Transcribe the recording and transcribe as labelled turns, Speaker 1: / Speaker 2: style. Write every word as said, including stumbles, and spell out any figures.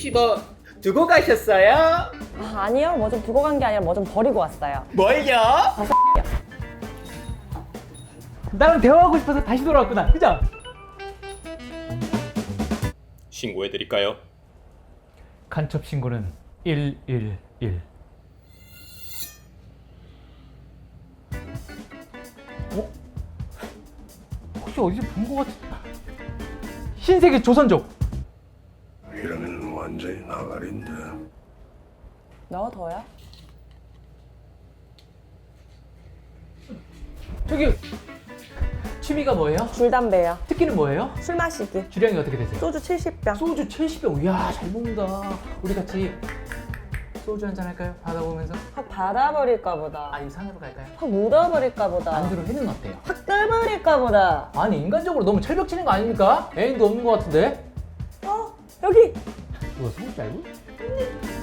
Speaker 1: 혹시 뭐 두고 가셨어요?
Speaker 2: 아, 아니요, 뭐 좀 두고 간 게 아니라 뭐 좀 버리고 왔어요.
Speaker 1: 뭘요?
Speaker 3: 나랑 대화하고 싶어서 다시 돌아왔구나. 그죠?
Speaker 4: 신고해드릴까요?
Speaker 3: 간첩 신고는 일일일. 어? 혹시 어디서 본 것 같은... 신세계 조선족.
Speaker 5: 이러면 완전히 나가린데.
Speaker 2: 너 더야?
Speaker 3: 저기 취미가 뭐예요?
Speaker 2: 줄 담배요.
Speaker 3: 특기는 뭐예요?
Speaker 2: 술 마시기.
Speaker 3: 주량이 어떻게 되세요?
Speaker 2: 소주 칠십 병.
Speaker 3: 소주 칠십 병. 이야, 잘 먹는다. 우리 같이 소주 한잔 할까요? 바다 보면서?
Speaker 2: 확 받아버릴까 보다.
Speaker 3: 아니면 산으로 갈까요?
Speaker 2: 확 묻어버릴까 보다.
Speaker 3: 안주로 회는 어때요?
Speaker 2: 확 뜰버릴까 보다.
Speaker 3: 아니, 인간적으로 너무 철벽 치는 거 아닙니까? 애인도 없는 것 같은데?
Speaker 2: 어? 여기!
Speaker 3: 뭐야, 소주 알고?